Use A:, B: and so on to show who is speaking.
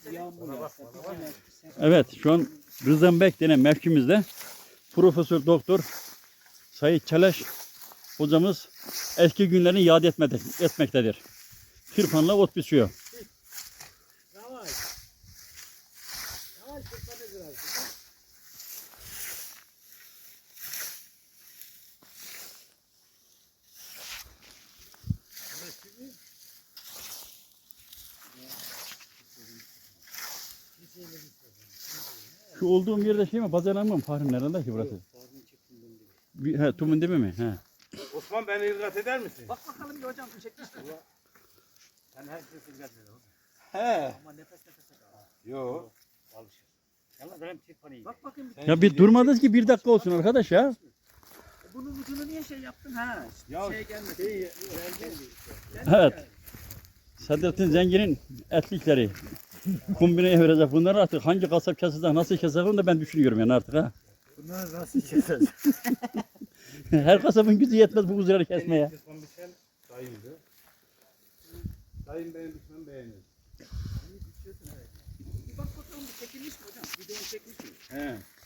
A: Evet, şu an Rızanbek denen mevkimizde Profesör Doktor Sayit Çeleş hocamız eski günlerini yad etmektedir. Tırpanla ot biçiyor.
B: Yavaş. Yavaş tırpanı biraz.
A: Şu olduğum yerde şey mi? Pazarlanma mı? Fahri nerede ki burası? He, Tumun değil mi? He.
C: Osman beni irgat eder misin?
B: Bak bakalım bir hocam çekmiştir.
C: Sen her şeyi irgat eder.
B: He. Ama nefes nefese kal.
C: Yok.
B: Alışır. Yalnız benim tırpanı iyi. Bak bakayım.
A: Ya bir durmadınız ki bir dakika olsun arkadaş ya.
B: Bunun ucunu niye şey yaptın ha?
C: Ya
B: Şeye gelmesin.
A: Evet. Sadrettin Zengin'in etlikleri. Kombineye verecek. Bunları artık hangi kasap kesecek, nasıl kesecek onu da ben düşünüyorum yani artık ha.
B: Bunları nasıl keseceğiz?
A: Her kasabın gücü yetmez bu kuzuları kesmeye.
C: Osman biçen dayımdı. Dayım benim biçmem beğenir.
B: Bak bakalım bir çekilmiş mi hocam? Videonu çekmiş mi?
C: He.